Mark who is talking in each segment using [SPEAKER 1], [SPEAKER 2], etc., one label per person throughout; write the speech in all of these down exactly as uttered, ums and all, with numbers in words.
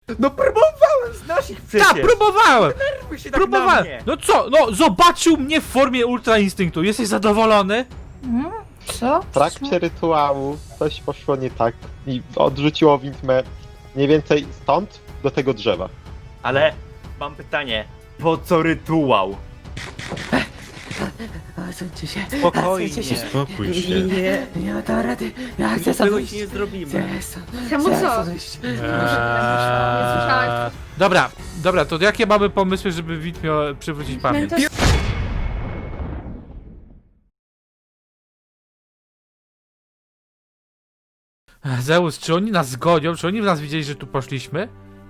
[SPEAKER 1] No próbowałem z naszych przecież!
[SPEAKER 2] Tak, próbowałem!
[SPEAKER 1] Nerwuj się tak
[SPEAKER 2] Próbowałem!
[SPEAKER 1] na mnie.
[SPEAKER 2] No co? No zobaczył mnie w formie Ultra Instynktu. Jesteś zadowolony?
[SPEAKER 3] Hmm? Co?
[SPEAKER 4] W trakcie rytuału coś poszło nie tak i odrzuciło widmę mniej więcej stąd do tego drzewa.
[SPEAKER 1] Ale mam pytanie, po co rytuał?
[SPEAKER 3] Odsuńcie się.
[SPEAKER 1] Spokojnie.
[SPEAKER 3] Odsuńcie się.
[SPEAKER 2] Spokój się.
[SPEAKER 3] Nie, nie ma to rady. Ja chcę
[SPEAKER 1] Nic
[SPEAKER 3] sam
[SPEAKER 1] tego
[SPEAKER 3] wyjść.
[SPEAKER 1] ci nie zrobimy.
[SPEAKER 3] Chcę stąd.
[SPEAKER 5] Czemu
[SPEAKER 3] Chcę
[SPEAKER 5] co?
[SPEAKER 3] stąd wyjść.
[SPEAKER 2] Eee,
[SPEAKER 5] słyszałem.
[SPEAKER 2] dobra, dobra, to jakie mamy pomysły, żeby Witmio przywrócić
[SPEAKER 5] No
[SPEAKER 2] pamięć?
[SPEAKER 5] to
[SPEAKER 2] Zeus, czy oni nas zgonią? Czy oni w nas widzieli, że tu poszliśmy?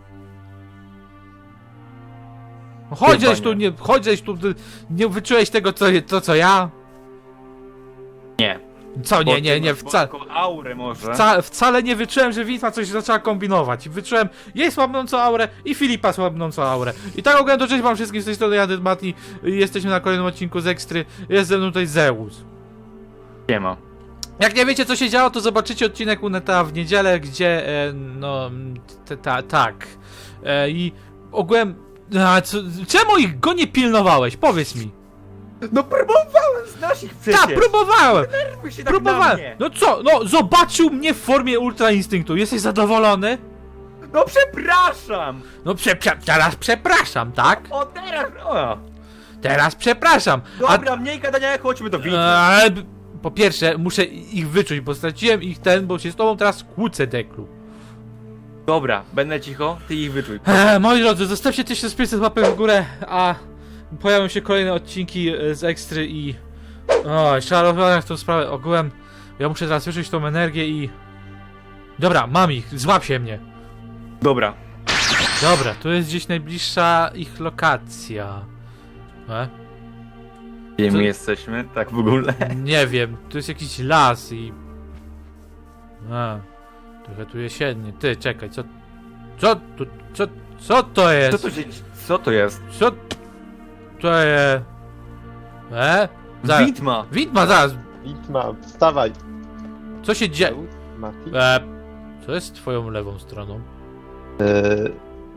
[SPEAKER 2] No chodź,
[SPEAKER 1] Chyba
[SPEAKER 2] żeś tu,
[SPEAKER 1] nie.
[SPEAKER 2] nie, chodź, żeś tu, ty nie wyczułeś tego, co, to, co ja?
[SPEAKER 1] Nie.
[SPEAKER 2] Co, nie,
[SPEAKER 1] Bo
[SPEAKER 2] nie,
[SPEAKER 1] ty
[SPEAKER 2] nie,
[SPEAKER 1] masz
[SPEAKER 2] wcale,
[SPEAKER 1] bosko aurę może.
[SPEAKER 2] wca, wcale nie wyczułem, że Witma coś zaczęła kombinować. Wyczułem jej słabnącą aurę i Filipa słabnącą aurę. I tak ogólnie to cześć wam wszystkim z tej strony, Jadyn Mati. Jesteśmy na kolejnym odcinku z Ekstry. Jest ze mną tutaj Zeus.
[SPEAKER 1] Nie ma.
[SPEAKER 2] Jak nie wiecie, co się działo, to zobaczycie odcinek Uneta w niedzielę, gdzie, e, no, t, ta, tak. E, I ogółem, a, co, czemu ich go nie pilnowałeś? Powiedz mi.
[SPEAKER 1] No próbowałem z naszych przecież!
[SPEAKER 2] Tak, próbowałem,
[SPEAKER 1] Nerwuj się tak na
[SPEAKER 2] próbowałem.
[SPEAKER 1] mnie.
[SPEAKER 2] No co, no, zobaczył mnie w formie Ultra Instynktu. Jesteś zadowolony?
[SPEAKER 1] No przepraszam!
[SPEAKER 2] No, prze, prze, teraz przepraszam, tak?
[SPEAKER 1] O teraz! O.
[SPEAKER 2] Teraz przepraszam. A,
[SPEAKER 1] Dobra, mniej gadania, chodźmy do widza.
[SPEAKER 2] e, po pierwsze, muszę ich wyczuć, bo straciłem ich ten, bo się z tobą teraz kłócę, Deklu.
[SPEAKER 1] Dobra, będę cicho, ty ich wyczuj.
[SPEAKER 2] E, moi drodzy, zostawcie tysiąc pięćset łapek w górę, a pojawią się kolejne odcinki e, z Ekstry i... O, trzeba rozwiązać tą sprawę. Ogółem, ja muszę teraz wyczuć tą energię i... Dobra, mam ich, złap się mnie.
[SPEAKER 1] Dobra.
[SPEAKER 2] Dobra, tu jest gdzieś najbliższa ich lokacja. E?
[SPEAKER 1] Gdzie
[SPEAKER 2] Co-
[SPEAKER 1] my jesteśmy? Tak w ogóle.
[SPEAKER 2] Nie wiem, tu jest jakiś las i... A, trochę tu jesiennie. Ty, czekaj, co... Co tu... Co... Co to
[SPEAKER 1] Co
[SPEAKER 2] jest?
[SPEAKER 1] to się... Co to jest?
[SPEAKER 2] Co... To jest... E? Zaraz.
[SPEAKER 1] Widma!
[SPEAKER 2] Widma, zaraz.
[SPEAKER 4] Widma, wstawaj!
[SPEAKER 2] Co się dzieje?
[SPEAKER 4] Zeus, Mati.
[SPEAKER 2] E, co jest twoją lewą stroną?
[SPEAKER 4] Eee,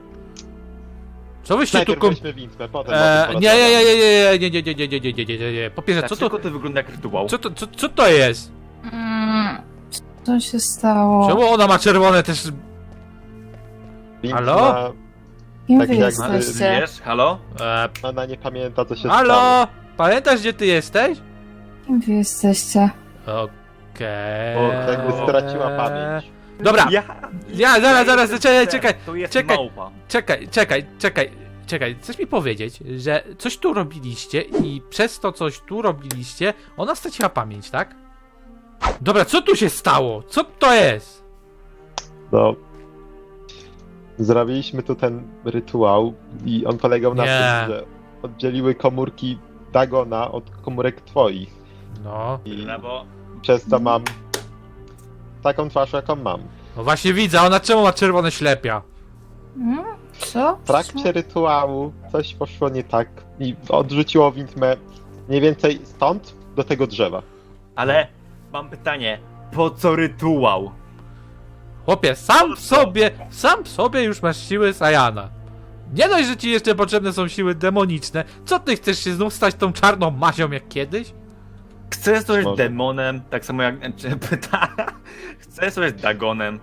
[SPEAKER 2] Co wyście tu
[SPEAKER 4] najpierw
[SPEAKER 2] kom...
[SPEAKER 4] weźmy widmę, potem
[SPEAKER 2] E,
[SPEAKER 4] o tym
[SPEAKER 2] nie, nie, nie,
[SPEAKER 4] porozmawiamy.
[SPEAKER 2] nie, nie, nie, nie, nie, nie, nie, nie, nie, nie, nie. Po pierwsze, co
[SPEAKER 1] Dlaczego
[SPEAKER 2] to...
[SPEAKER 1] to wygląda jak rytuał?
[SPEAKER 2] Co to, co, co to jest?
[SPEAKER 3] Mm, Co się stało?
[SPEAKER 2] Czemu ona ma czerwone też...
[SPEAKER 4] Widma,
[SPEAKER 2] Halo?
[SPEAKER 3] Kim
[SPEAKER 4] tak
[SPEAKER 3] wy
[SPEAKER 4] jakby-
[SPEAKER 3] jesteście?
[SPEAKER 1] Wiesz? Halo?
[SPEAKER 2] E,
[SPEAKER 4] Ona nie pamięta, co się stało.
[SPEAKER 2] halo? Pamiętasz, gdzie ty jesteś?
[SPEAKER 3] Kim wy jesteście?
[SPEAKER 2] Okej.
[SPEAKER 1] O,
[SPEAKER 4] Jakby straciła pamięć.
[SPEAKER 2] Dobra,
[SPEAKER 1] Ja...
[SPEAKER 2] ja zaraz, zaraz,
[SPEAKER 1] jestem
[SPEAKER 2] czekaj,
[SPEAKER 1] psem.
[SPEAKER 2] czekaj,
[SPEAKER 1] To jest
[SPEAKER 2] czekaj.
[SPEAKER 1] małpa.
[SPEAKER 2] czekaj, czekaj, czekaj, czekaj. Chcesz mi powiedzieć, że coś tu robiliście i przez to coś tu robiliście, ona straciła pamięć, tak? Dobra, co tu się stało? Co to jest?
[SPEAKER 4] No. Zrobiliśmy tu ten rytuał i on polegał na
[SPEAKER 2] Nie.
[SPEAKER 4] tym, że oddzieliły komórki Dagona od komórek twoich.
[SPEAKER 2] No,
[SPEAKER 4] I
[SPEAKER 1] No bo...
[SPEAKER 4] przez to mam taką twarz, jaką mam.
[SPEAKER 2] no właśnie widzę, ona czemu ma czerwone ślepia?
[SPEAKER 3] Hmm? Co?
[SPEAKER 4] W trakcie rytuału coś poszło nie tak i odrzuciło widmę mniej więcej stąd do tego drzewa.
[SPEAKER 1] Ale mam pytanie, po co rytuał?
[SPEAKER 2] Chłopie, sam w sobie, sam w sobie już masz siły Sajana. Nie dość, że ci jeszcze potrzebne są siły demoniczne, co ty chcesz się znów stać tą czarną mazią jak kiedyś?
[SPEAKER 1] Chcę zostać
[SPEAKER 4] Może.
[SPEAKER 1] demonem, tak samo jak... Czy pyta... Chcę zostać Dagonem.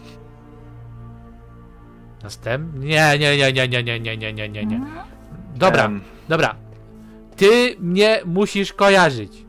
[SPEAKER 2] Następny? Nie, nie, nie, nie, nie, nie, nie, nie, nie, nie, nie.
[SPEAKER 3] Hmm?
[SPEAKER 2] Dobra,
[SPEAKER 1] Em,
[SPEAKER 2] dobra. Ty mnie musisz kojarzyć.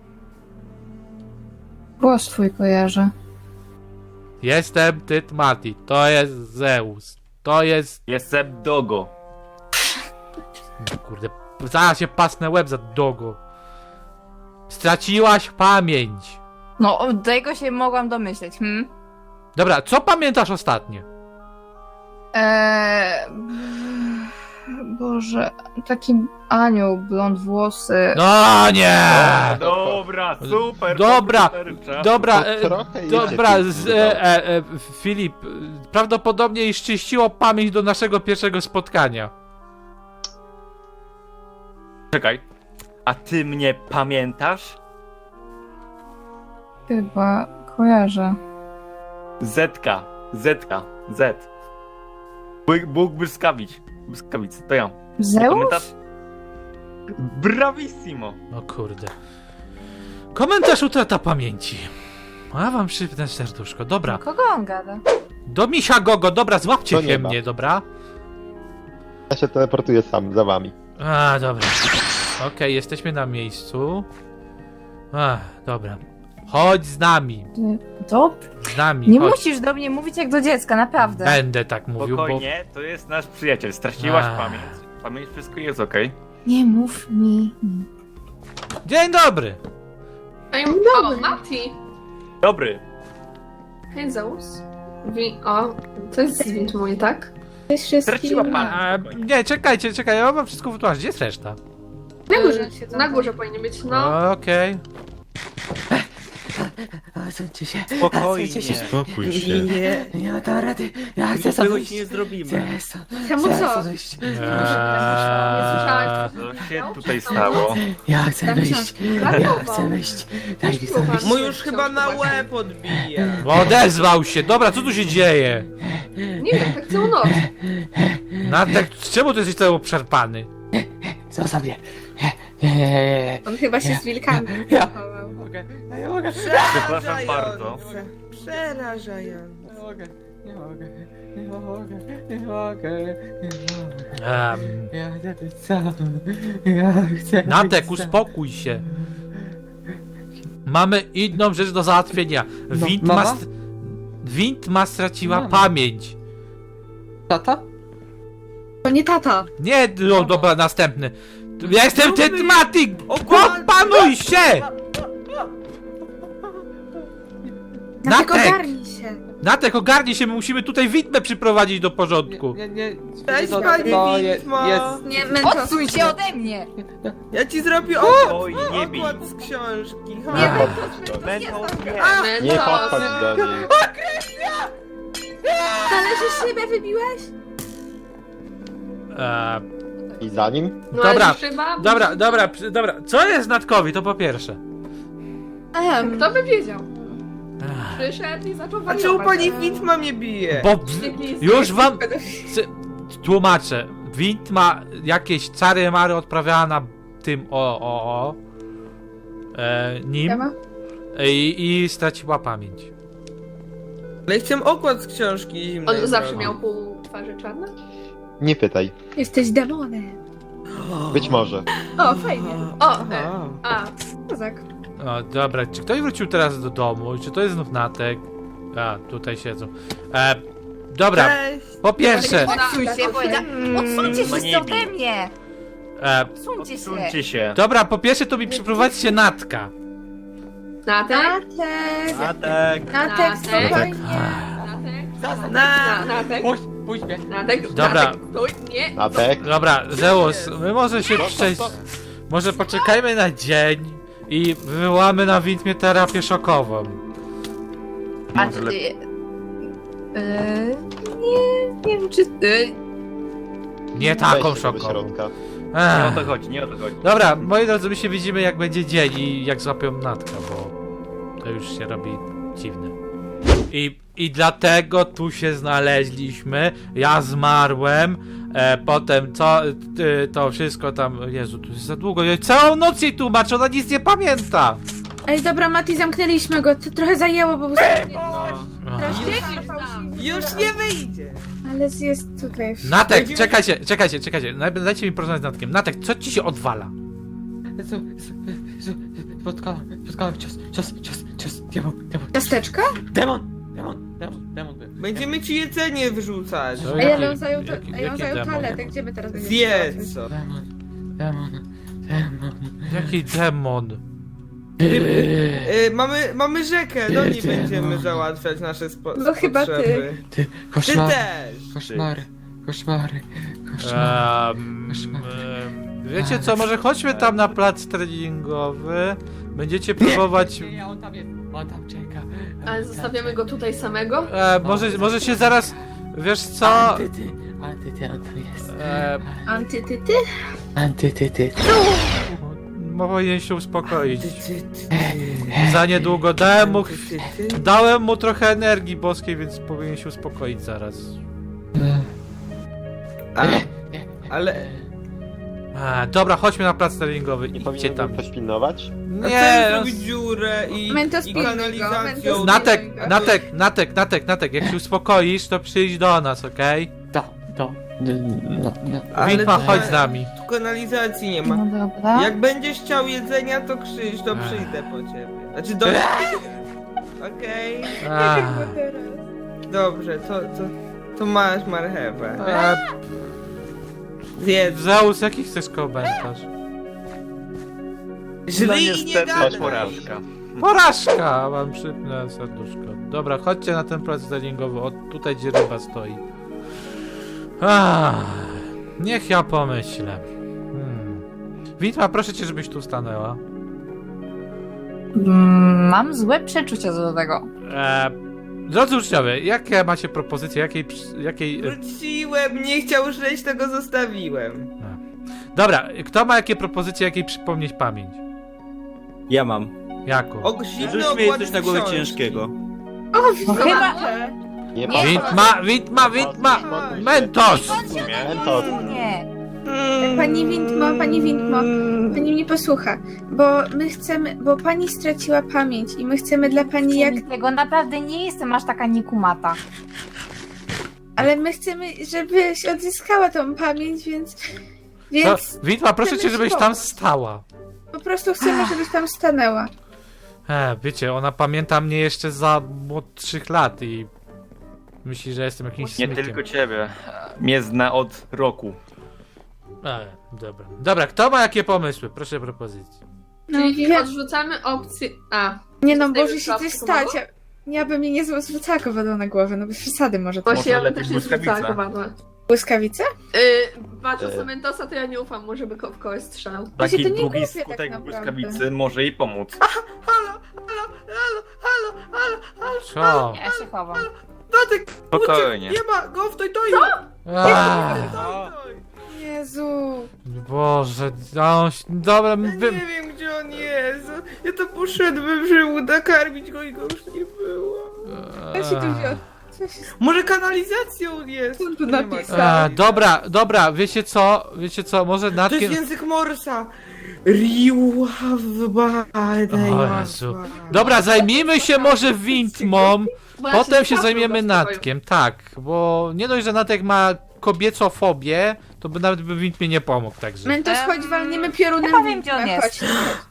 [SPEAKER 3] Głos twój kojarzę.
[SPEAKER 2] Jestem Tytmati, to jest Zeus. To jest...
[SPEAKER 1] Jestem Dogo.
[SPEAKER 2] Kurde, zaraz się pasnę łeb za dogo. Straciłaś pamięć.
[SPEAKER 5] No, tego się mogłam domyśleć, hmm?
[SPEAKER 2] Dobra, co pamiętasz ostatnio?
[SPEAKER 3] Eee... Boże, taki anioł, blond włosy.
[SPEAKER 2] No nie!
[SPEAKER 1] Dobra, super.
[SPEAKER 2] Dobra,
[SPEAKER 1] super, czas.
[SPEAKER 2] Dobra,
[SPEAKER 4] To
[SPEAKER 2] e,
[SPEAKER 4] trochę
[SPEAKER 2] dobra,
[SPEAKER 4] idzie,
[SPEAKER 2] z,
[SPEAKER 4] Filip,
[SPEAKER 2] e, e, e, Filip, e, prawdopodobnie jej szczyściło pamięć do naszego pierwszego spotkania.
[SPEAKER 1] Czekaj. A ty mnie pamiętasz?
[SPEAKER 3] Chyba kojarzę.
[SPEAKER 1] Zetka. Zetka. Z. Bóg, Bóg błyskawic. Błyskawic, to ja.
[SPEAKER 3] Zeus?
[SPEAKER 1] Komentarz? Bravissimo.
[SPEAKER 2] O kurde. Komentarz utrata pamięci. A wam szybne serduszko, dobra.
[SPEAKER 5] Kogo on gada?
[SPEAKER 2] Do misia Gogo, dobra, złapcie
[SPEAKER 4] Do
[SPEAKER 2] się
[SPEAKER 4] nieba.
[SPEAKER 2] mnie, dobra?
[SPEAKER 4] Ja się teleportuję sam, za wami.
[SPEAKER 2] A, dobra. Okej, jesteśmy na miejscu. A, dobra. Chodź z nami.
[SPEAKER 3] Dobrze.
[SPEAKER 2] Z nami,
[SPEAKER 5] Nie
[SPEAKER 2] chodź.
[SPEAKER 5] musisz do mnie mówić jak do dziecka, naprawdę.
[SPEAKER 2] Będę tak mówił, bo...
[SPEAKER 1] Spokojnie, to jest nasz przyjaciel. Straciłaś
[SPEAKER 2] A.
[SPEAKER 1] pamięć. Pamięć, wszystko jest okej.
[SPEAKER 5] Nie mów mi.
[SPEAKER 2] Dzień dobry!
[SPEAKER 6] Ej, o, Mati!
[SPEAKER 1] Dobry.
[SPEAKER 6] Hej, Zeus. Wi o, to jest zwint mój, tak?
[SPEAKER 1] Straciła pamięć.
[SPEAKER 2] A, nie, czekajcie, czekaj, ja wam wszystko wytłumaczę. Gdzie jest reszta?
[SPEAKER 6] Na górze, na górze powinien być, no.
[SPEAKER 2] Okej.
[SPEAKER 7] Odsuńcie się.
[SPEAKER 1] Spokojnie.
[SPEAKER 7] Odsuńcie się.
[SPEAKER 8] Spokój się.
[SPEAKER 7] Nie, nie ma tam rady. Ja chcę
[SPEAKER 8] Nic
[SPEAKER 7] stąd
[SPEAKER 8] tego
[SPEAKER 7] wyjść.
[SPEAKER 8] ci nie zrobimy.
[SPEAKER 7] Chcę stąd-
[SPEAKER 6] Czemu
[SPEAKER 7] chcę
[SPEAKER 6] co?
[SPEAKER 7] stąd wyjść.
[SPEAKER 2] Eee,
[SPEAKER 1] Co się tutaj stało?
[SPEAKER 7] Ja chcę
[SPEAKER 6] Tak,
[SPEAKER 7] wyjść.
[SPEAKER 6] tak.
[SPEAKER 7] Ja chcę wyjść. Daj mi stąd wyjść.
[SPEAKER 8] Mu już chyba na łeb odbija.
[SPEAKER 2] Odezwał się! Dobra, co tu się dzieje?
[SPEAKER 6] Nie wiem, tak całą noc.
[SPEAKER 2] Natek, czemu ty jesteś cały obszarpany?
[SPEAKER 7] Zostaw mnie. Nie, nie, nie, nie.
[SPEAKER 6] On chyba się z wilkami
[SPEAKER 7] Ja.
[SPEAKER 6] zachował.
[SPEAKER 7] Nie mogę. Ja nie mogę.
[SPEAKER 1] Przepraszam bardzo.
[SPEAKER 8] Przerażające.
[SPEAKER 7] Nie mogę. Nie mogę. Nie mogę. Nie mogę. Nie mogę.
[SPEAKER 2] Em,
[SPEAKER 7] Ja chcę być sam. Ja chcę
[SPEAKER 2] Natek,
[SPEAKER 7] być sam.
[SPEAKER 2] uspokój się. Mamy inną rzecz do załatwienia.
[SPEAKER 7] No,
[SPEAKER 2] Wind ma,
[SPEAKER 7] mama?
[SPEAKER 2] st- Wind ma straciła
[SPEAKER 7] Mama.
[SPEAKER 2] pamięć.
[SPEAKER 7] Tata?
[SPEAKER 6] To nie tata.
[SPEAKER 2] Nie, no dobra, następny. Ja jestem Tetmatik!
[SPEAKER 8] Okład-
[SPEAKER 2] Opanuj się! Natek!
[SPEAKER 6] ogarnij się.
[SPEAKER 2] Natek, ogarnij się, my musimy tutaj widmę przyprowadzić do porządku.
[SPEAKER 7] Nie, nie.
[SPEAKER 8] Cześć,
[SPEAKER 7] to-
[SPEAKER 8] panie
[SPEAKER 7] to je-
[SPEAKER 8] Widmo.
[SPEAKER 7] jest-
[SPEAKER 6] Nie, Mentos.
[SPEAKER 5] Odsuń się ode mnie!
[SPEAKER 8] Ja ci zrobię okład,
[SPEAKER 1] Oj, nie bij.
[SPEAKER 8] okład z książki.
[SPEAKER 5] Nie,
[SPEAKER 8] Ha.
[SPEAKER 5] Mentos, Mentos,
[SPEAKER 1] Mentos,
[SPEAKER 5] nie.
[SPEAKER 1] nie.
[SPEAKER 4] Nie
[SPEAKER 6] Mentos.
[SPEAKER 4] podchodź do niej.
[SPEAKER 6] Należy szybę wybiłeś?
[SPEAKER 2] Eee,
[SPEAKER 4] I za nim?
[SPEAKER 6] No,
[SPEAKER 2] Dobra,
[SPEAKER 6] ale szyba?
[SPEAKER 2] dobra, dobra, przy- dobra. Co jest Natkowi, to po pierwsze.
[SPEAKER 6] Em, Kto by wiedział?
[SPEAKER 2] Ech,
[SPEAKER 6] Przyszedł i zaczął
[SPEAKER 8] A
[SPEAKER 6] wariować.
[SPEAKER 8] czemu pani Widma mnie bije?
[SPEAKER 2] Bo
[SPEAKER 6] Jaki
[SPEAKER 2] już
[SPEAKER 6] jest
[SPEAKER 2] wam
[SPEAKER 6] pedofil.
[SPEAKER 2] c- tłumaczę. Wind ma jakieś czary mary odprawiała na tym o o o e, nim
[SPEAKER 6] Siema.
[SPEAKER 2] i, i straciła pamięć.
[SPEAKER 8] Ale chciałem okład z książki zimnej.
[SPEAKER 6] On zawsze
[SPEAKER 8] zrobić.
[SPEAKER 6] miał pół twarzy czarne?
[SPEAKER 4] Nie pytaj.
[SPEAKER 6] Jesteś demonem.
[SPEAKER 4] Być może.
[SPEAKER 6] O, fajnie. O, e,
[SPEAKER 8] Aha.
[SPEAKER 6] a, kozak.
[SPEAKER 2] O, dobra, czy ktoś wrócił teraz do domu? Czy to jest znów Natek? A, tutaj siedzą. E, dobra,
[SPEAKER 8] Cześć.
[SPEAKER 2] po pierwsze,
[SPEAKER 5] Odsuń się, powiedziałam. Odsuńcie wszyscy
[SPEAKER 1] nie
[SPEAKER 5] ode mnie!
[SPEAKER 2] e,
[SPEAKER 5] Odsuńcie się!
[SPEAKER 1] Odsuńcie się.
[SPEAKER 2] dobra, po pierwsze to mi przyprowadźcie Natka.
[SPEAKER 6] Natek?
[SPEAKER 1] Natek.
[SPEAKER 6] Natek,
[SPEAKER 7] spokojnie.
[SPEAKER 6] Natek?
[SPEAKER 8] Na.
[SPEAKER 6] Natek?
[SPEAKER 7] Puść, puść mnie.
[SPEAKER 6] Natek?
[SPEAKER 2] Dobra.
[SPEAKER 6] Natek, stój, nie.
[SPEAKER 4] Natek?
[SPEAKER 2] Dobra, Zeus, my może się przejść. Może poczekajmy na dzień i wywołamy na Windmie terapię szokową.
[SPEAKER 5] A
[SPEAKER 1] Może
[SPEAKER 5] ty...
[SPEAKER 1] lepiej.
[SPEAKER 5] Yy, nie, nie wiem czy... Yy,
[SPEAKER 2] Nie taką
[SPEAKER 4] Weź się do
[SPEAKER 2] szokową.
[SPEAKER 4] środka.
[SPEAKER 1] Nie o
[SPEAKER 2] Ech.
[SPEAKER 1] to chodzi, nie o to chodzi.
[SPEAKER 2] Dobra, moi drodzy, my się widzimy jak będzie dzień i jak złapią Natka, bo to już się robi dziwne. I, i dlatego tu się znaleźliśmy. Ja zmarłem. E, potem co e, to wszystko tam. Jezu, tu jest za długo. Ja całą noc jej tłumaczę, ona nic nie pamięta.
[SPEAKER 9] Ej, dobra, Mati, zamknęliśmy go. To trochę zajęło, bo...
[SPEAKER 2] No.
[SPEAKER 8] Już nie wyjdzie.
[SPEAKER 9] Ale jest tutaj.
[SPEAKER 2] Natek, czekajcie, czekajcie, czekajcie. Najpierw dajcie mi porozmawiać z Natkiem. Natek, co ci się odwala?
[SPEAKER 7] Jezu, Jezu, Jezu, Spotkałem, spotkałem cios, cios, cios, cios, demon, demon,
[SPEAKER 9] Ciasteczka?
[SPEAKER 7] demon, demon, demon, demon.
[SPEAKER 8] Będziemy ci jedzenie wyrzucać.
[SPEAKER 2] Co?
[SPEAKER 9] Ej, ale on zajął, to,
[SPEAKER 2] jaki-
[SPEAKER 9] ej, on
[SPEAKER 2] jaki
[SPEAKER 9] zajął
[SPEAKER 2] demon?
[SPEAKER 9] toaletę. Gdzie my teraz będziemy się
[SPEAKER 8] Zjedz
[SPEAKER 9] załatwiać?
[SPEAKER 8] co.
[SPEAKER 7] Demon, demon, demon.
[SPEAKER 2] Jaki demon?
[SPEAKER 8] Y, mamy, mamy rzekę, do niej
[SPEAKER 7] Ty,
[SPEAKER 8] będziemy
[SPEAKER 7] no.
[SPEAKER 8] załatwiać nasze spo
[SPEAKER 9] No chyba ty.
[SPEAKER 8] potrzeby.
[SPEAKER 7] Ty,
[SPEAKER 8] Ty
[SPEAKER 7] koszmary,
[SPEAKER 8] też.
[SPEAKER 7] koszmary, koszmary, koszmary.
[SPEAKER 2] Um,
[SPEAKER 7] Koszmar.
[SPEAKER 2] wiecie co, może chodźmy tam na plac treningowy. Będziecie próbować.
[SPEAKER 7] Nie, nie, on tam jest, on tam czeka.
[SPEAKER 6] Ale zostawiamy go tutaj samego?
[SPEAKER 2] E, może, może się zaraz. Wiesz co?
[SPEAKER 7] Antyty, antyty, on tam jest.
[SPEAKER 2] E,
[SPEAKER 9] Antytyty?
[SPEAKER 7] Antytyty.
[SPEAKER 2] powinien się uspokoić.
[SPEAKER 8] Antytyty.
[SPEAKER 2] Za niedługo dałem mu.
[SPEAKER 8] Antytyty.
[SPEAKER 2] Dałem mu trochę energii boskiej, więc powinien się uspokoić zaraz.
[SPEAKER 8] Ale... ale...
[SPEAKER 2] A, dobra, chodźmy na plac treningowy,
[SPEAKER 4] Nie
[SPEAKER 2] idźcie
[SPEAKER 4] powinien
[SPEAKER 2] tam.
[SPEAKER 4] ktoś pilnować?
[SPEAKER 8] A co
[SPEAKER 2] Nie,
[SPEAKER 8] jest
[SPEAKER 2] no,
[SPEAKER 8] zrobić dziurę i,
[SPEAKER 9] Mentos
[SPEAKER 8] i
[SPEAKER 9] pilnuj go,
[SPEAKER 8] kanalizacją?
[SPEAKER 9] Mentos-
[SPEAKER 2] Natek, Natek, Natek, Natek, Natek, jak się uspokoisz, to przyjdź do nas, okej?
[SPEAKER 7] Do, do, no, no.
[SPEAKER 8] Ale
[SPEAKER 2] Witma,
[SPEAKER 8] tu-
[SPEAKER 2] chodź z nami.
[SPEAKER 8] Tu kanalizacji nie ma.
[SPEAKER 3] No dobra.
[SPEAKER 8] Jak będziesz chciał jedzenia, to krzyż, to przyjdę po ciebie. Znaczy do... Okej,
[SPEAKER 2] A,
[SPEAKER 8] dobrze, to, to, to masz marchewę.
[SPEAKER 2] a,
[SPEAKER 8] Zjedz.
[SPEAKER 2] Zeus, jaki chcesz komentarz?
[SPEAKER 8] Żryj i nie gadaj.
[SPEAKER 1] porażka.
[SPEAKER 2] Porażka! Mam szybne serduszko. Dobra, chodźcie na ten plac treningowy, o tutaj gdzie ryba stoi. Ah, niech ja pomyślę. Hmm. Witma, proszę cię, żebyś tu stanęła.
[SPEAKER 3] Mm, Mam złe przeczucia co do tego.
[SPEAKER 2] E, drodzy uczniowie, jakie macie propozycje, jakiej... przy- jakiej e,
[SPEAKER 8] Wróciłem, nie chciał żyć, to go zostawiłem.
[SPEAKER 2] dobra, kto ma jakie propozycje, jakiej przypomnieć pamięć?
[SPEAKER 10] Ja mam.
[SPEAKER 2] Jaką?
[SPEAKER 8] O, zimny
[SPEAKER 10] Rzuć mi
[SPEAKER 8] okład
[SPEAKER 10] coś na głowę
[SPEAKER 8] książki.
[SPEAKER 10] ciężkiego.
[SPEAKER 9] O,
[SPEAKER 3] No chyba...
[SPEAKER 4] Nie
[SPEAKER 3] Nie.
[SPEAKER 2] Witma, Witma, Witma! Mentos!
[SPEAKER 4] Mentos.
[SPEAKER 3] Nie.
[SPEAKER 9] Pani Windmo, pani Windmo, pani mnie posłucha, bo my chcemy, bo pani straciła pamięć i my chcemy dla pani jak,
[SPEAKER 3] Tego naprawdę nie jestem aż taka niekumata.
[SPEAKER 9] ale my chcemy, żebyś odzyskała tą pamięć, więc,
[SPEAKER 2] To,
[SPEAKER 9] więc
[SPEAKER 2] Witma, proszę cię,
[SPEAKER 9] chcemy
[SPEAKER 2] żebyś
[SPEAKER 9] ci
[SPEAKER 2] tam
[SPEAKER 9] pomóc.
[SPEAKER 2] stała.
[SPEAKER 9] po prostu chcemy, żebyś tam stanęła.
[SPEAKER 2] E, wiecie, ona pamięta mnie jeszcze za młodszych lat i myśli, że jestem jakimś
[SPEAKER 1] Nie
[SPEAKER 2] smykiem.
[SPEAKER 1] tylko ciebie. Mnie zna od roku.
[SPEAKER 2] E, dobra. Dobra, kto ma jakie pomysły? Proszę propozycji.
[SPEAKER 9] No,
[SPEAKER 6] Czyli
[SPEAKER 9] wie,
[SPEAKER 6] odrzucamy opcję A.
[SPEAKER 9] nie no,
[SPEAKER 6] Zostajemy
[SPEAKER 9] może się
[SPEAKER 6] słabszy
[SPEAKER 9] coś stać,
[SPEAKER 6] pomogło?
[SPEAKER 9] ja, ja bym mnie nie zwrócała wodą na głowę, no bez przesady może to.
[SPEAKER 6] Właśnie ja bym
[SPEAKER 1] lepiej
[SPEAKER 6] też nie
[SPEAKER 1] błyskawica.
[SPEAKER 6] zwrócała kowadła.
[SPEAKER 9] Błyskawice?
[SPEAKER 6] Yy, patrząc
[SPEAKER 4] E.
[SPEAKER 6] na Mentosa, to ja nie ufam, może by ko- w kogoś strzelał.
[SPEAKER 9] Właśnie
[SPEAKER 1] Taki
[SPEAKER 9] to nie
[SPEAKER 1] długi
[SPEAKER 9] głupie tak
[SPEAKER 1] skutek
[SPEAKER 9] naprawdę.
[SPEAKER 1] błyskawicy może jej pomóc.
[SPEAKER 8] Halo, halo, halo, halo, halo, halo,
[SPEAKER 2] Co?
[SPEAKER 3] Ja się chowam.
[SPEAKER 8] Natek,
[SPEAKER 1] Spokojnie.
[SPEAKER 8] nie ma go w toj toju!
[SPEAKER 2] A,
[SPEAKER 9] Jezu.
[SPEAKER 2] Boże, no, dobra,
[SPEAKER 8] Ja
[SPEAKER 2] wy...
[SPEAKER 8] nie wiem, gdzie on jest. Ja to poszedłem, żeby nakarmić go i go już nie było.
[SPEAKER 9] Co się tu wziął? Co się
[SPEAKER 8] Może kanalizacją jest?
[SPEAKER 9] Co on tu
[SPEAKER 8] Nie ma
[SPEAKER 9] napisał?
[SPEAKER 2] A,
[SPEAKER 8] kanalizacji.
[SPEAKER 2] dobra, dobra, wiecie co? Wiecie co, może
[SPEAKER 8] To
[SPEAKER 2] natkiem...
[SPEAKER 8] jest język Morsa. Riławba.
[SPEAKER 2] O Jezu. Dobra, zajmijmy się może Wintmą,
[SPEAKER 6] Bo ja
[SPEAKER 2] potem
[SPEAKER 6] nie
[SPEAKER 2] się
[SPEAKER 6] trafię
[SPEAKER 2] zajmiemy
[SPEAKER 6] go w pokoju.
[SPEAKER 2] Natkiem, tak, bo nie dość, że Natek ma kobiecofobię, to by nawet by Wintmie nie pomógł, także...
[SPEAKER 9] Mentos,
[SPEAKER 3] Em,
[SPEAKER 9] chodź, walniemy piorunem
[SPEAKER 3] chyba wiem, gdzie on
[SPEAKER 9] Windmę,
[SPEAKER 3] jest.
[SPEAKER 9] chodź.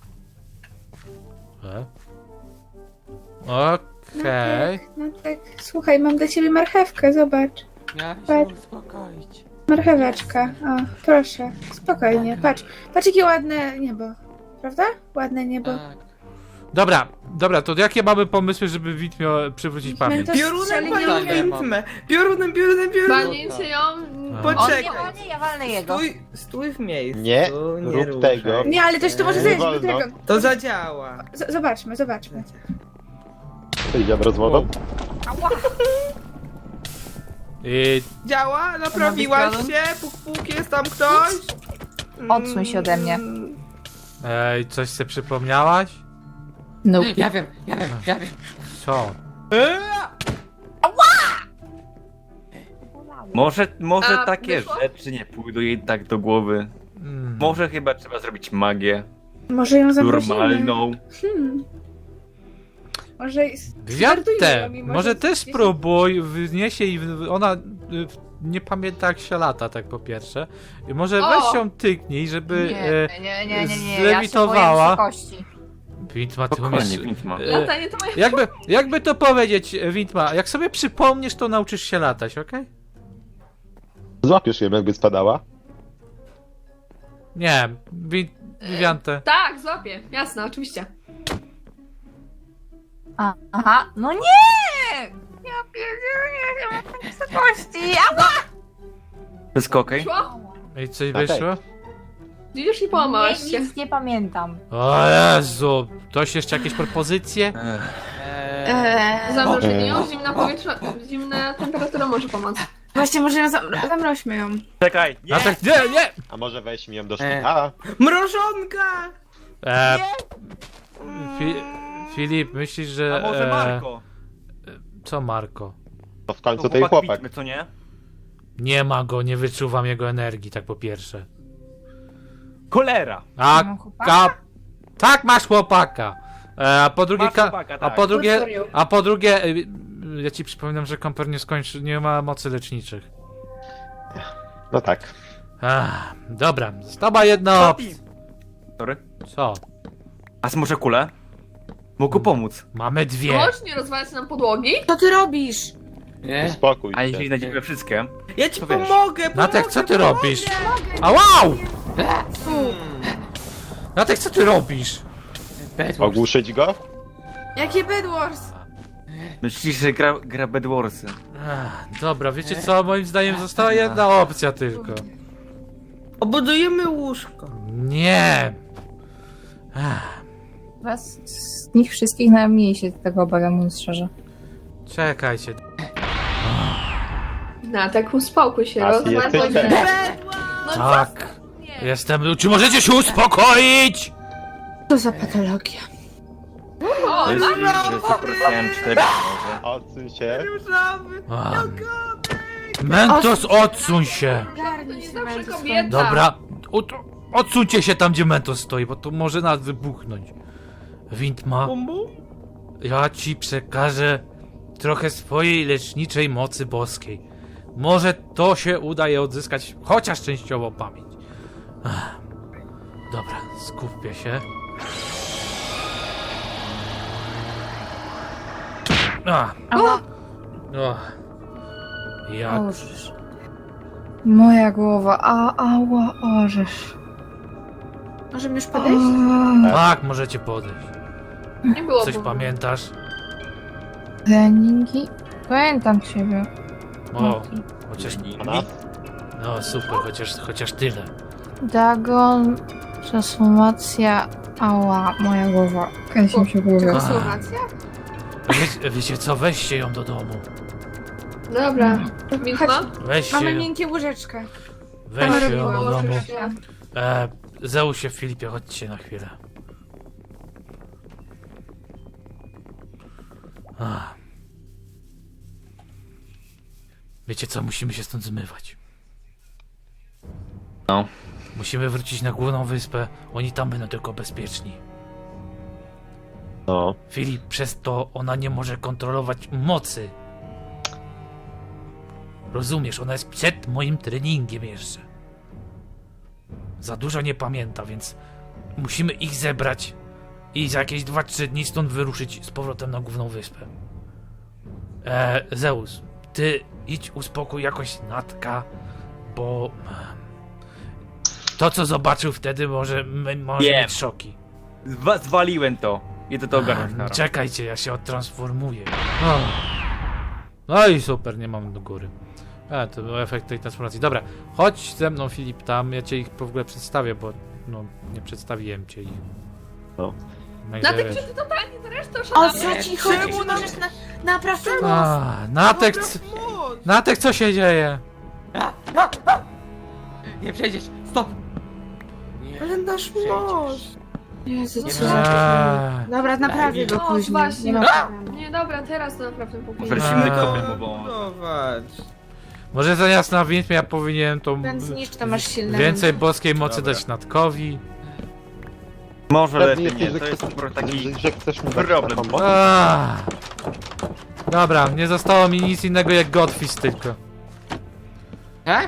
[SPEAKER 2] E? Okej.
[SPEAKER 9] No tak, słuchaj, mam dla ciebie marchewkę, zobacz.
[SPEAKER 7] Ja się
[SPEAKER 9] Patrz.
[SPEAKER 7] uspokoić.
[SPEAKER 9] Marcheweczka, o, proszę, spokojnie, patrz. Patrz, jakie ładne niebo, prawda? Ładne niebo.
[SPEAKER 7] Tak.
[SPEAKER 2] Dobra, dobra, to jakie mamy pomysły, żeby Witmie przywrócić pamięć?
[SPEAKER 9] Mentos
[SPEAKER 8] Piorunem
[SPEAKER 9] strzeli
[SPEAKER 8] panią
[SPEAKER 9] nie
[SPEAKER 7] Tak, ja mam.
[SPEAKER 8] Wintmę. Piorunem, piorunem, piorunem.
[SPEAKER 6] Walnięcie ją...
[SPEAKER 2] A.
[SPEAKER 3] On
[SPEAKER 8] Poczekaj.
[SPEAKER 3] nie walnie, ja walnę jego.
[SPEAKER 8] Stój, stój w miejscu.
[SPEAKER 4] Nie, rób
[SPEAKER 8] ruszaj.
[SPEAKER 4] tego.
[SPEAKER 9] Nie, ale też to może
[SPEAKER 4] Nie
[SPEAKER 9] zająć
[SPEAKER 4] wolno.
[SPEAKER 9] dragon.
[SPEAKER 8] To zadziała.
[SPEAKER 9] Z- Zobaczmy, zobaczmy.
[SPEAKER 4] To idzie z wodą?
[SPEAKER 2] I...
[SPEAKER 8] Działa? Naprawiłaś
[SPEAKER 3] Panowie,
[SPEAKER 8] się? Puk, puk, jest tam ktoś?
[SPEAKER 3] Odsuń się ode mnie.
[SPEAKER 8] Mm,
[SPEAKER 2] Ej, coś sobie przypomniałaś?
[SPEAKER 3] No.
[SPEAKER 7] Ja wiem, ja wiem, ja wiem.
[SPEAKER 2] Co?
[SPEAKER 1] Może, może
[SPEAKER 6] A,
[SPEAKER 1] takie
[SPEAKER 6] wyszło?
[SPEAKER 1] rzeczy nie pójdą jej tak do głowy.
[SPEAKER 2] Mm.
[SPEAKER 1] Może chyba trzeba zrobić magię.
[SPEAKER 9] Może ją zaprosimy.
[SPEAKER 1] Normalną.
[SPEAKER 9] Hmm. Może s-
[SPEAKER 2] Gwiazdę!
[SPEAKER 9] żartujmy, mimo
[SPEAKER 2] Może
[SPEAKER 9] że
[SPEAKER 2] też
[SPEAKER 9] jest-
[SPEAKER 2] spróbuj, wniesie i w- ona y, w- nie pamięta jak się lata, tak po pierwsze. I może
[SPEAKER 6] O!
[SPEAKER 2] weź ją tyknij, żeby
[SPEAKER 3] Nie, nie, nie, nie, nie,
[SPEAKER 2] zlewitowała.
[SPEAKER 3] Ja się boję wysokości.
[SPEAKER 2] Witma, ty umiesz...
[SPEAKER 1] Spokojnie, Wintma.
[SPEAKER 2] e,
[SPEAKER 6] Latanie to moje...
[SPEAKER 2] jakby, jakby to powiedzieć, Witma, jak sobie przypomnisz, to nauczysz się latać, okej?
[SPEAKER 4] Złapiesz ją, jakby spadała.
[SPEAKER 2] Nie, Wit... Wiwiante.
[SPEAKER 6] Tak, złapię. Jasne, oczywiście.
[SPEAKER 3] A, aha, no nie! Ja pierdzielę, nie mam wysokości. Ała!
[SPEAKER 1] Wszystko okej?
[SPEAKER 6] Szło?
[SPEAKER 2] I coś
[SPEAKER 4] Okej.
[SPEAKER 2] wyszło?
[SPEAKER 6] Widzisz i połamałaś
[SPEAKER 3] Nie,
[SPEAKER 6] się.
[SPEAKER 3] nic nie pamiętam.
[SPEAKER 2] O Jezu, ktoś jeszcze jakieś propozycje?
[SPEAKER 1] Ech,
[SPEAKER 9] Eee,
[SPEAKER 6] Zamrożenie ją,
[SPEAKER 4] O.
[SPEAKER 6] zimna powietrze, zimna temperatura może pomóc.
[SPEAKER 9] Właśnie, może ją zam- zamroźmy ją.
[SPEAKER 1] Czekaj, nie!
[SPEAKER 2] A tak, nie, nie!
[SPEAKER 4] A może weźmy ją do szpitala?
[SPEAKER 8] Mrożonka!
[SPEAKER 2] E, Fi Filip, myślisz, że...
[SPEAKER 1] A może
[SPEAKER 2] e,
[SPEAKER 1] Marko?
[SPEAKER 2] Co Marko?
[SPEAKER 4] To w końcu
[SPEAKER 1] To
[SPEAKER 4] tej chłopak.
[SPEAKER 1] Witmy, co nie?
[SPEAKER 2] Nie ma go, nie wyczuwam jego energii, tak po pierwsze.
[SPEAKER 1] Cholera!
[SPEAKER 2] A,
[SPEAKER 3] Mam chłopaka?
[SPEAKER 2] ka... Tak, masz chłopaka. E, a po drugie,
[SPEAKER 1] Masz
[SPEAKER 2] ka...
[SPEAKER 1] chłopaka,
[SPEAKER 2] a
[SPEAKER 1] tak.
[SPEAKER 2] po drugie,
[SPEAKER 6] Good for you.
[SPEAKER 2] a po drugie, y, y, ja ci przypominam, że komper nie skończy, nie ma mocy leczniczych.
[SPEAKER 4] No tak.
[SPEAKER 2] Ach, dobra, została jedna opcja.
[SPEAKER 1] Sorry.
[SPEAKER 2] Co?
[SPEAKER 1] A może kulę? Mógł pomóc.
[SPEAKER 2] Mamy dwie.
[SPEAKER 6] Chodź, nie rozwalać nam podłogi.
[SPEAKER 9] Co ty robisz?
[SPEAKER 7] Nie?
[SPEAKER 4] Uspokój
[SPEAKER 1] A
[SPEAKER 4] się.
[SPEAKER 1] jeśli znajdziemy wszystkie?
[SPEAKER 8] Ja ci
[SPEAKER 1] To wiesz.
[SPEAKER 8] pomogę, pomogę,
[SPEAKER 2] Natek, co ty
[SPEAKER 8] pomogę.
[SPEAKER 2] robisz? A wow! Natek, co ty robisz?
[SPEAKER 7] Bedwars.
[SPEAKER 4] Ogłuszyć go?
[SPEAKER 9] Jakie Bedwars?
[SPEAKER 1] Myślisz, że gra, gra Bedwarsy?
[SPEAKER 2] Ach, dobra, wiecie co? Moim zdaniem została jedna opcja tylko.
[SPEAKER 8] Obudujemy łóżko.
[SPEAKER 2] Nie. Ach,
[SPEAKER 3] Was z nich wszystkich najmniej się tego obawiam, mówiąc szczerze.
[SPEAKER 2] czekajcie.
[SPEAKER 6] No, tak uspokój się,
[SPEAKER 4] A ty
[SPEAKER 6] rozwal
[SPEAKER 4] jesteś
[SPEAKER 6] podłogi.
[SPEAKER 4] pewien?
[SPEAKER 6] No
[SPEAKER 2] Tak. Jestem. Czy możecie się uspokoić?
[SPEAKER 9] Co za patologia?
[SPEAKER 6] O,
[SPEAKER 1] To jest,
[SPEAKER 6] no,
[SPEAKER 1] że poprosiłem cztery może.
[SPEAKER 4] Odsuń się.
[SPEAKER 8] Różowy.
[SPEAKER 2] Ach. Mentos, odsuń się.
[SPEAKER 6] to
[SPEAKER 9] Garnij
[SPEAKER 6] nie
[SPEAKER 9] się,
[SPEAKER 6] zawsze
[SPEAKER 9] Mentos,
[SPEAKER 6] kobieta.
[SPEAKER 2] Dobra. Od, odsuńcie się tam, gdzie Mentos stoi, bo to może nas wybuchnąć. Windma,
[SPEAKER 8] Bum, bum.
[SPEAKER 2] ja ci przekażę trochę swojej leczniczej mocy boskiej. Może to się uda je odzyskać, chociaż częściowo pamięć. Ach. Dobra, skupcie się. A.
[SPEAKER 3] Ała.
[SPEAKER 2] O. Jak?
[SPEAKER 3] Orzesz. Moja głowa, a, ała, orzesz.
[SPEAKER 9] Możemy już podejść?
[SPEAKER 2] Tak, możecie podejść.
[SPEAKER 6] Nie było
[SPEAKER 2] Coś
[SPEAKER 6] bólu.
[SPEAKER 2] pamiętasz?
[SPEAKER 3] Treningi? Pamiętam ciebie.
[SPEAKER 2] O, chociaż...
[SPEAKER 4] A nas?
[SPEAKER 2] No super, chociaż, chociaż tyle.
[SPEAKER 3] Dagon, transformacja, ała, moja głowa. Kręci mi się głowa.
[SPEAKER 6] Transformacja?
[SPEAKER 2] Wie, wiecie co, weźcie ją do domu.
[SPEAKER 6] Dobra. Widma?
[SPEAKER 2] Weźcie
[SPEAKER 9] Mamy
[SPEAKER 2] ją,
[SPEAKER 9] miękkie łóżeczka.
[SPEAKER 2] weźcie ją do
[SPEAKER 6] Położysz
[SPEAKER 2] domu.
[SPEAKER 6] się.
[SPEAKER 2] E, Zeusie, Filipie, chodźcie na chwilę. Ach. Wiecie co, musimy się stąd zmywać.
[SPEAKER 1] No.
[SPEAKER 2] Musimy wrócić na główną wyspę. Oni tam będą tylko bezpieczni.
[SPEAKER 4] No.
[SPEAKER 2] Filip, przez to ona nie może kontrolować mocy. Rozumiesz, ona jest przed moim treningiem jeszcze. Za dużo nie pamięta, więc musimy ich zebrać i za jakieś dwa trzy dni stąd wyruszyć z powrotem na główną wyspę. E, Zeus, ty idź uspokój jakoś Natka, bo to co zobaczył wtedy może, m- może
[SPEAKER 1] Wiem.
[SPEAKER 2] mieć szoki.
[SPEAKER 1] Zwa zwaliłem to. Idę to ogarnąć na
[SPEAKER 2] Czekajcie, ja się odtransformuję. O. No i super, nie mam do góry. A, to był efekt tej transformacji. Dobra, chodź ze mną, Filip, tam. Ja cię ich w ogóle przedstawię, bo no, nie przedstawiłem cię ich.
[SPEAKER 4] No.
[SPEAKER 2] Najpierw-
[SPEAKER 6] Natek, czy ty totalnie na resztę
[SPEAKER 9] O
[SPEAKER 6] oszalałeś?
[SPEAKER 9] co ci chodzi?
[SPEAKER 8] Czemu nam-
[SPEAKER 9] Możesz na, naprawdę moc.
[SPEAKER 2] A, Natek,
[SPEAKER 8] Dobra,
[SPEAKER 2] c-
[SPEAKER 8] moc.
[SPEAKER 2] Natek, co się dzieje?
[SPEAKER 7] Nie przejdziesz! Stop! Nie.
[SPEAKER 8] Ale nasz moc.
[SPEAKER 9] Jezu,
[SPEAKER 7] Nie
[SPEAKER 9] co?
[SPEAKER 2] Eee,
[SPEAKER 9] Dobra, naprawię go
[SPEAKER 6] O,
[SPEAKER 9] później.
[SPEAKER 6] właśnie.
[SPEAKER 9] Nie ma problemu.
[SPEAKER 6] Nie, dobra, teraz to naprawdę póki.
[SPEAKER 1] Może silny
[SPEAKER 2] A.
[SPEAKER 1] kopię mu pomóc.
[SPEAKER 8] Budować.
[SPEAKER 2] może zamiast na widmie ja powinienem tą
[SPEAKER 9] Ten zniszcz, to masz silne
[SPEAKER 2] więcej
[SPEAKER 9] ręce.
[SPEAKER 2] boskiej mocy
[SPEAKER 1] Dobra.
[SPEAKER 2] dać Natkowi.
[SPEAKER 1] Może
[SPEAKER 4] Pewnie
[SPEAKER 1] lepiej
[SPEAKER 4] jesteś,
[SPEAKER 1] nie,
[SPEAKER 4] że
[SPEAKER 1] to jest
[SPEAKER 4] chcesz,
[SPEAKER 1] po prostu taki...
[SPEAKER 4] że, że chcesz mi dać
[SPEAKER 1] problem.
[SPEAKER 4] taką moc?
[SPEAKER 2] Aaa. Dobra, nie zostało mi nic innego jak Godfist tylko.
[SPEAKER 7] E?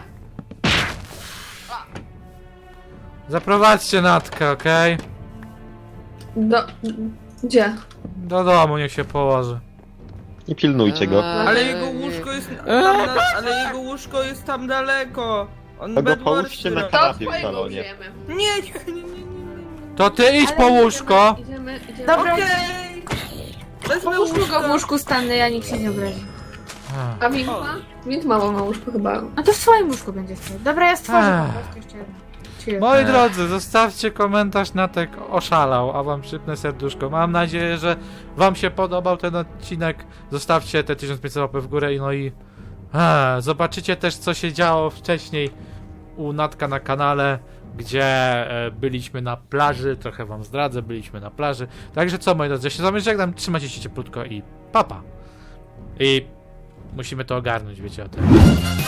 [SPEAKER 2] Zaprowadźcie Natkę, okej?
[SPEAKER 6] Do... Gdzie?
[SPEAKER 2] Do domu niech się położy.
[SPEAKER 4] I pilnujcie go.
[SPEAKER 8] Ale jego łóżko jest tam, na, ale jego łóżko jest tam daleko. On
[SPEAKER 4] Tego
[SPEAKER 8] Bedwarsy
[SPEAKER 4] połóżcie na
[SPEAKER 8] robi.
[SPEAKER 6] To
[SPEAKER 4] kanapie w
[SPEAKER 6] twojego
[SPEAKER 4] salonie.
[SPEAKER 6] użyjemy.
[SPEAKER 8] Nie, nie, nie, nie, nie, nie.
[SPEAKER 2] To ty idź
[SPEAKER 9] Ale
[SPEAKER 2] po
[SPEAKER 9] idziemy-
[SPEAKER 2] łóżko.
[SPEAKER 6] Idziemy, idziemy.
[SPEAKER 9] Dobra,
[SPEAKER 8] Okej. Wezmę
[SPEAKER 9] połóżmy go w
[SPEAKER 8] łóżko.
[SPEAKER 9] łóżku Stanley, ja nikt się nie obrazi.
[SPEAKER 2] A.
[SPEAKER 6] A Windma? Windma ma na łóżku chyba.
[SPEAKER 9] No to w swoim łóżku będzie stał. Dobra, ja stworzę
[SPEAKER 2] Ech.
[SPEAKER 9] po prostu jeszcze jedno. Cheers.
[SPEAKER 2] Moi drodzy, zostawcie komentarz, Natek oszalał, a wam przypnę serduszko. Mam nadzieję, że wam się podobał ten odcinek. Zostawcie te tysiąc pięćset łapek w górę i no i a, zobaczycie też, co się działo wcześniej u Natka na kanale, gdzie e, byliśmy na plaży. Trochę wam zdradzę, byliśmy na plaży. Także co, moi drodzy, ja się z wami żegnam, trzymajcie się cieplutko i papa. I musimy to ogarnąć, wiecie o tym.